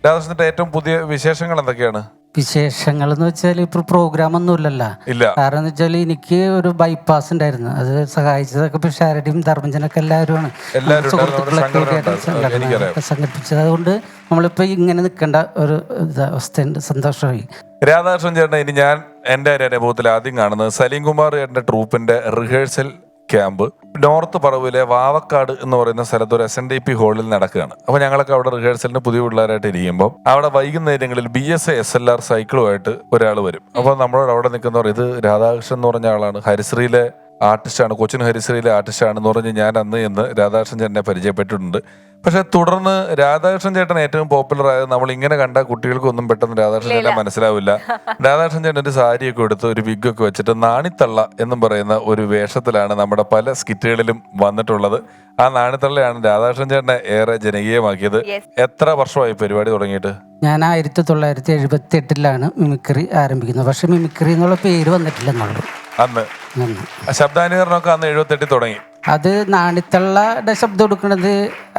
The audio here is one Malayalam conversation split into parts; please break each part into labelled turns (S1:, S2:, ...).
S1: രാധാകൃഷ്ണന്റെ ഏറ്റവും പുതിയ വിശേഷങ്ങൾ എന്തൊക്കെയാണ്?
S2: വിശേഷങ്ങൾ എന്ന് വെച്ചാൽ ഇപ്പൊ പ്രോഗ്രാം ഒന്നും ഇല്ലല്ലോ. കാരണം എന്ന് വെച്ചാൽ എനിക്ക് ഒരു ബൈപ്പാസ് ഉണ്ടായിരുന്നു. അത് സഹായിച്ചതൊക്കെ ഇപ്പൊ ഷാരടിയും ധർമ്മജനൊക്കെ എല്ലാവരുമാണ് സുഹൃത്തുക്കളൊക്കെ സംഘടിപ്പിച്ചത്. അതുകൊണ്ട് നമ്മളിപ്പോ ഇങ്ങനെ നിൽക്കേണ്ട ഒരു അവസ്ഥയുണ്ട്. സന്തോഷമായി.
S1: രാധാകൃഷ്ണൻ ചേട്ടൻ ഇനി ഞാൻ എൻ്റെ ഒരു അനുഭവത്തിൽ ആദ്യം കാണുന്നത് സലീം കുമാർ ചേട്ടൻ്റെ ട്രൂപ്പിന്റെ റിഹേഴ്സൽ ക്യാമ്പ് നോർത്ത് പറവിലെ വാവക്കാട് എന്ന് പറയുന്ന സ്ഥലത്ത് ഒരു SNDP ഹാളിൽ നടക്കുകയാണ്. അപ്പോൾ ഞങ്ങളൊക്കെ അവിടെ റിഹേഴ്സലിന് പുതിയ പിള്ളേരായിട്ട് ഇരിക്കുമ്പോൾ അവിടെ വൈകുന്നേരങ്ങളിൽ BSA SLR സൈക്കിളുമായിട്ട് ഒരാൾ വരും. അപ്പോൾ നമ്മളോട് അവിടെ നിൽക്കുന്നവർ ഇത് രാധാകൃഷ്ണൻ എന്ന് പറഞ്ഞ ആളാണ്, ഹരിശ്രീയിലെ ആർട്ടിസ്റ്റാണ്, കൊച്ചിൻ ഹരിശ്രീയിലെ ആർട്ടിസ്റ്റാണെന്ന് പറഞ്ഞ് ഞാൻ അന്ന് എന്ന് രാധാകൃഷ്ണൻ ചേട്ടനെ പരിചയപ്പെട്ടിട്ടുണ്ട്. പക്ഷെ തുടർന്ന് രാധാകൃഷ്ണൻ ചേട്ടൻ ഏറ്റവും പോപ്പുലർ ആയത് നമ്മൾ ഇങ്ങനെ കണ്ട കുട്ടികൾക്കൊന്നും പെട്ടെന്ന് രാധാകൃഷ്ണൻ ചേട്ടൻ മനസ്സിലാവില്ല. രാധാകൃഷ്ണൻ ചേട്ടൻ ഒരു സാരിയൊക്കെ എടുത്ത് ഒരു വിഗൊക്കെ വെച്ചിട്ട് നാണിത്തള്ള എന്നും പറയുന്ന ഒരു വേഷത്തിലാണ് നമ്മുടെ പല സ്കിറ്റുകളിലും വന്നിട്ടുള്ളത്. ആ നാണിത്തള്ളയാണ് രാധാകൃഷ്ണൻ ചേട്ടനെ ഏറെ ജനകീയമാക്കിയത്. എത്ര വർഷമായി പരിപാടി തുടങ്ങിയിട്ട്?
S2: ഞാൻ 1978 മിമിക്രി ആരംഭിക്കുന്നത്. പക്ഷെ മിമിക്രി എന്നുള്ള പേര് വന്നിട്ടില്ല എന്നുള്ളൂ.
S1: അന്ന് ശബ്ദാനുകരണമൊക്കെ അന്ന് 78 തുടങ്ങി.
S2: അത് നാണിത്തള്ളയുടെ ശബ്ദം കൊടുക്കുന്നത്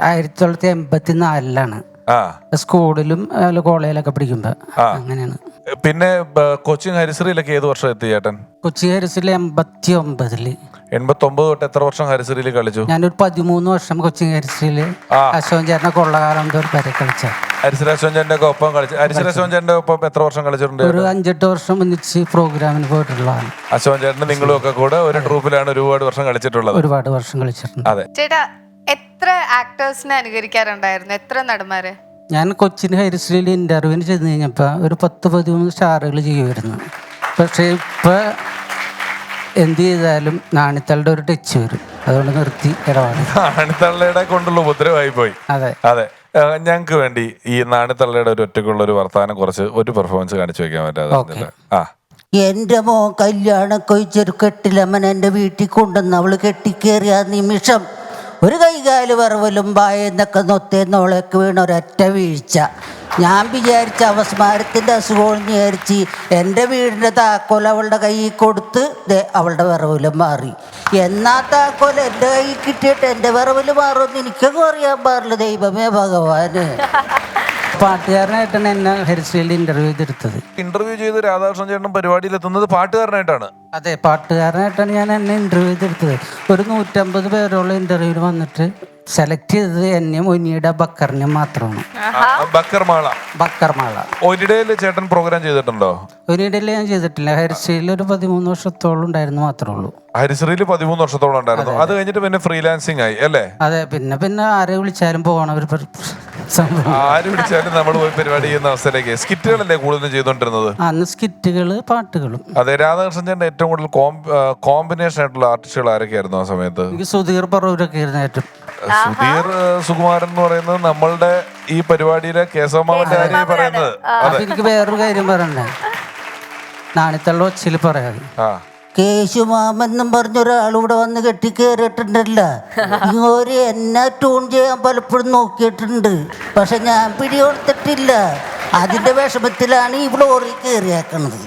S2: 1984 സ്കൂളിലും കോളേജിലൊക്കെ പഠിക്കുമ്പോ അങ്ങനെയാണ്.
S1: പിന്നെ കൊച്ചിൻ ഹരിശ്രീയിലൊക്കെ ഏത് വർഷം എത്തി ചേട്ടൻ?
S2: കൊച്ചി ഹരിശ്രീയിൽ 89
S1: തൊട്ട് എത്ര വർഷം ഹരിശ്രീയിൽ കളിച്ചു?
S2: ഞാനൊരു 13 വർഷം കൊച്ചിൻ ഹരിശ്രീയില് അശോകൻ ചേട്ടനെ കൊള്ളകാലം വരെ കളിച്ച.
S1: ഹരിശ്രീ അശോകൻ ചേട്ടന്റെ ഒപ്പം കളിച്ചു. ഹരിശ്രീ അശോകൻ ചേട്ടന്റെ ഒപ്പം എത്ര വർഷം കളിച്ചിട്ടുണ്ട്?
S2: ഒരു 5-8 വർഷം ഒന്നിച്ച് പ്രോഗ്രാമിന് പോയിട്ടുള്ളതാണ്.
S1: അശോകൻ ചേട്ടന് നിങ്ങളും ഒക്കെ കൂടെ ഒരു ട്രൂപ്പിലാണ് ഒരുപാട് വർഷം കളിച്ചിട്ടുള്ളത്.
S2: ഒരുപാട് വർഷം കളിച്ചിട്ടുണ്ട്.
S1: അതെ
S3: ചേട്ടാ, എത്ര ആക്ടേഴ്സിനെ അനുകരിക്കാറുണ്ടായിരുന്നു? എത്ര നടന്മാരെ?
S2: ഞാൻ കൊച്ചിൻ ഹരിശ്രീയിൽ ഇന്റർവ്യൂവിന് ചെന്ന് കഴിഞ്ഞപ്പോ ഒരു 10-13 സ്റ്റാറുകൾ ചെയ്യുമായിരുന്നു. പക്ഷെ ഇപ്പൊ എന്ത് ചെയ്താലും നാണിത്തളുടെ ഒരു ടച്ച് വരും. അതുകൊണ്ട് നിർത്തി ഇടപാട്.
S1: നാണിത്തള്ളയുടെ കൊണ്ടുള്ള ഉപദ്രവമായി പോയി.
S2: അതെ
S1: അതെ. ഞങ്ങൾക്ക് വേണ്ടി ഈ നാണിത്തള്ളയുടെ ഒരു ഒറ്റക്കുള്ള ഒരു വർത്താനം കുറച്ച് ഒരു പെർഫോമൻസ് കാണിച്ചു വെക്കാൻ പറ്റാതെ?
S4: എന്റെ മോൻ കല്യാണം കഴിച്ചൊരു കെട്ടിലമ്മൻ എൻ്റെ വീട്ടിൽ കൊണ്ടുവന്ന് അവള് കെട്ടിക്കേറിയ നിമിഷം ഒരു കൈകാല് വറവലും വായെന്നൊക്കെ നൊത്തേന്നോളൊക്കെ വീണ ഒരൊറ്റ വീഴ്ച. ഞാൻ വിചാരിച്ച അവസ്മാരത്തിൻ്റെ അസുഖം വിചാരിച്ച് എൻ്റെ വീടിൻ്റെ താക്കോൽ അവളുടെ കയ്യിൽ കൊടുത്ത് അവളുടെ വിറവിലും മാറി. എന്നാ താക്കോൽ എൻ്റെ കയ്യിൽ കിട്ടിയിട്ട് എൻ്റെ വിറവിൽ മാറുമെന്ന് എനിക്കൊക്കെ അറിയാൻ പാടില്ല. ദൈവമേ ഭഗവാന്.
S2: പാട്ടുകാരനായിട്ടാണ് എന്നെ ഹരിശ്രീയിൽ ഇന്റർവ്യൂ
S1: ചെയ്ത് രാധാകൃഷ്ണൻ ചേട്ടൻ പരിപാടിയിൽ എത്തുന്നത് പാട്ടുകാരനായിട്ടാണ്.
S2: അതെ, പാട്ടുകാരനായിട്ടാണ് ഞാൻ എന്നെ ഇന്റർവ്യൂ ചെയ്തെടുത്തത്. ഒരു 150 പേരോളം ഇന്റർവ്യൂവിൽ വന്നിട്ട് സെലക്ട് ചെയ്തത് എന്നെ ഒനിയുടെ ബക്കറിനെ മാത്രമാണ്. ബക്കർമാള.
S1: ഒനിഡയിൽ ചേട്ടൻ പ്രോഗ്രാം ചെയ്തിട്ടുണ്ടോ?
S2: ഒനിഡയിൽ ഞാൻ ചെയ്തിട്ടില്ല. ഹരിശ്രീയിൽ ഒരു 13 വർഷത്തോളം ഉണ്ടായിരുന്നു മാത്രമേ ഉള്ളൂ.
S1: ഹരിശ്രീയിൽ 13 വർഷത്തോളം ഉണ്ടായിരുന്നു. അത് കഴിഞ്ഞിട്ട് പിന്നെ ഫ്രീലാൻസിങ് ആയി അല്ലേ?
S2: അതെ. പിന്നെ ആരെ വിളിച്ചാലും പോകണം.
S1: ആര് വിളിച്ചാലും നമ്മൾ പോയി പരിപാടി ചെയ്യുന്ന അവസ്ഥയിലേക്ക്. സ്കിറ്റുകളല്ലേ കൂടുതലും ചെയ്തോണ്ടിരുന്നത്
S2: അന്ന്? സ്കിറ്റുകള്, പാട്ടുകളും.
S1: അതെ. രാധാകൃഷ്ണൻ ചേട്ടൻ ഏറ്റവും കൂടുതൽ കോമ്പിനേഷൻ ആയിട്ടുള്ള ആർട്ടിസ്റ്റുകൾ ആരൊക്കെയായിരുന്നു ആ സമയത്ത്?
S2: എനിക്ക് സുധീർ പറവൂരൊക്കെ ആയിരുന്നു ഏറ്റവും.
S1: സുധീർ സുകുമാരൻ എന്ന് പറയുന്നത് നമ്മളുടെ ഈ പരിപാടിയിലെ കേശവമാമന്റെ കാര്യം പറയുന്നത്.
S2: എനിക്ക് വേറൊരു കാര്യം പറയണ്ടേ, നാണിത്തള്ള ഒച്ചയിൽ പറയാതെ.
S4: കേശുമാമെന്നും പറഞ്ഞൊരാളിവിടെ വന്ന് കെട്ടിക്കേറിയിട്ടുണ്ടല്ല. ഇങ്ങോര് എന്നെ ട്യൂൺ ചെയ്യാൻ പലപ്പോഴും നോക്കിയിട്ടുണ്ട്. പക്ഷെ ഞാൻ പിടികൊടുത്തിട്ടില്ല. അതിന്റെ വിഷമത്തിലാണ് ഈ ഫ്ലോറിൽ കയറിയാക്കണത്.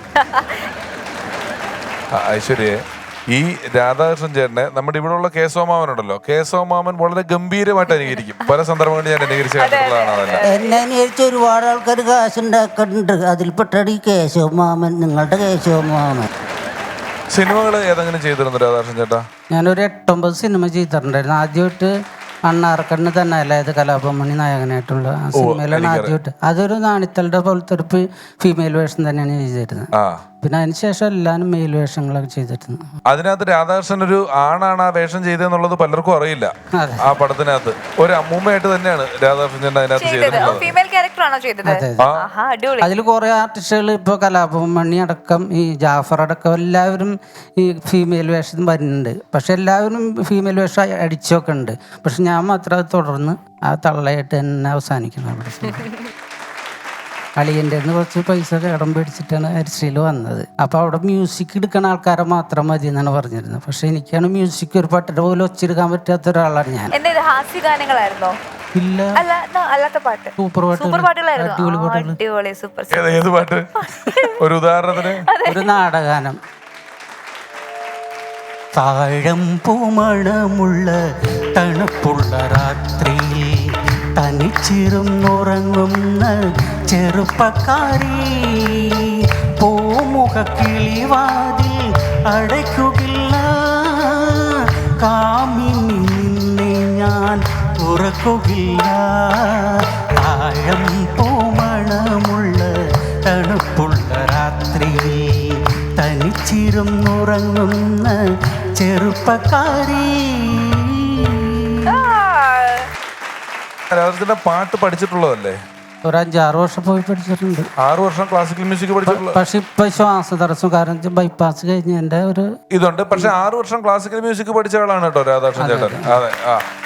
S1: ഐശ്വര്യ, ഈ രാധാകൃഷ്ണൻ ചേട്ടനെ നമ്മുടെ ഇവിടെ ഉള്ള കേശവമാമനുണ്ടല്ലോ, കേശവമാമൻ വളരെ ഗംഭീരമായിട്ട് അനുകരിക്കും. പല സന്ദർഭങ്ങളിൽ ഞാൻ അനുകരിച്ച് കണ്ടിട്ടുള്ളതാണ്.
S4: എന്നെ അനുകരിച്ച് ഒരുപാട് ആൾക്കാർ കാശുണ്ടാക്കുന്നുണ്ട്. അതിൽപ്പെട്ടാണ് ഈ കേശവമാമൻ, നിങ്ങളുടെ കേശവമാമൻ.
S1: സിനിമകൾ ഏതെങ്കിലും ചെയ്തിരുന്നു രാധാകൃഷ്ണൻ ചേട്ടാ?
S2: ഞാനൊരു 8-9 സിനിമ ചെയ്തിട്ടുണ്ടായിരുന്നു. ആദ്യമായിട്ട് അണ്ണാർക്കണ്ണ് തന്നെ അല്ലായത് കലാഭമണി നായകനായിട്ടുള്ള സിനിമയിലാണ് ആദ്യമായിട്ട്. അതൊരു നാണിത്തളുടെ പോലത്തെ ഒരു ഫീമെയിൽ വേഷം തന്നെയാണ് ചെയ്തിരുന്നത്. പിന്നെ അതിനുശേഷം എല്ലാവരും മെയിൽ വേഷങ്ങളൊക്കെ ചെയ്തിരുന്നു.
S1: അതിനകത്ത് രാധാകൃഷ്ണൻ ഒരു ആണാണ് ആ വേഷം ചെയ്തെന്നുള്ളത് പലർക്കും അറിയില്ല. ആ പടത്തിനകത്ത് ഒരു അമ്മൂമ്മയായിട്ട് തന്നെയാണ് രാധാകൃഷ്ണൻ അതിനകത്ത് ചെയ്തിട്ടുള്ളത്.
S2: അതിൽ കുറെ ആർട്ടിസ്റ്റുകൾ ഇപ്പൊ കലാഭമണി അടക്കം ഈ ജാഫർ അടക്കം എല്ലാവരും ഈ ഫീമെയിൽ വേഷം വരുന്നുണ്ട്. പക്ഷെ എല്ലാവരും ഫീമെയിൽ വേഷം അടിച്ചൊക്കെ ഉണ്ട്. പക്ഷെ ഞാൻ മാത്രം അത് തുടർന്ന് ആ തള്ളയായിട്ട് തന്നെ അവസാനിക്കണം. അളിയൻ്റെ കുറച്ച് പൈസ കടം പേടിച്ചിട്ടാണ് ഹരിശ്രീയിൽ വന്നത്. അപ്പോൾ അവിടെ മ്യൂസിക് എടുക്കുന്ന ആൾക്കാരെ മാത്രം മതി എന്നാണ് പറഞ്ഞിരുന്നത്. പക്ഷെ എനിക്കാണ് മ്യൂസിക് ഒരു പാട്ടിന്റെ പോലെ ഒച്ചെടുക്കാൻ പറ്റാത്ത ഒരാളാണ് ഞാൻ.
S3: ഹാസ്യഗാനങ്ങളായിരുന്നോ?
S2: ഇല്ല, സൂപ്പർ പാട്ടുകൾ.
S1: ഒരു ഉദാഹരണത്തിന്
S2: ഒരു നാടകാനം. താഴം പൂമണമുള്ള തണുപ്പുള്ള രാത്രിയിൽ
S5: തനിച്ചിരുന്നുറങ്ങുന്ന ചെറുപ്പക്കാരി പൂമുഖ കിളിവാതിൽ അടയ്ക്കുകയില്ല കാമിനി നിന്നെ ഞാൻ തുറക്കുകയില്ല ആഴം പൂമണമുള്ള തണുപ്പുള്ള രാത്രിയിൽ തനിച്ചിരുന്നുറങ്ങുന്ന ചെറുപ്പക്കാരി.
S1: രാധാകൃഷ്ണന്റെ പാട്ട് പഠിച്ചിട്ടുള്ളതല്ലേ?
S2: ഒരു 5-6 വർഷം പോയി പഠിച്ചിട്ടുണ്ട്.
S1: 6 വർഷം ക്ലാസിക്കൽ മ്യൂസിക് പഠിച്ചിട്ടുള്ള
S2: പക്ഷെ ഇപ്പൊ ശ്വാസതടസ്സം കാരണം ബൈപ്പാസ് കഴിഞ്ഞ് എൻ്റെ ഒരു
S1: ഇതുണ്ട്. പക്ഷെ 6 വർഷം ക്ലാസിക്കൽ മ്യൂസിക് പഠിച്ച ആളാണ് കേട്ടോ രാധാകൃഷ്ണൻ ചേട്ടൻ. അതെ.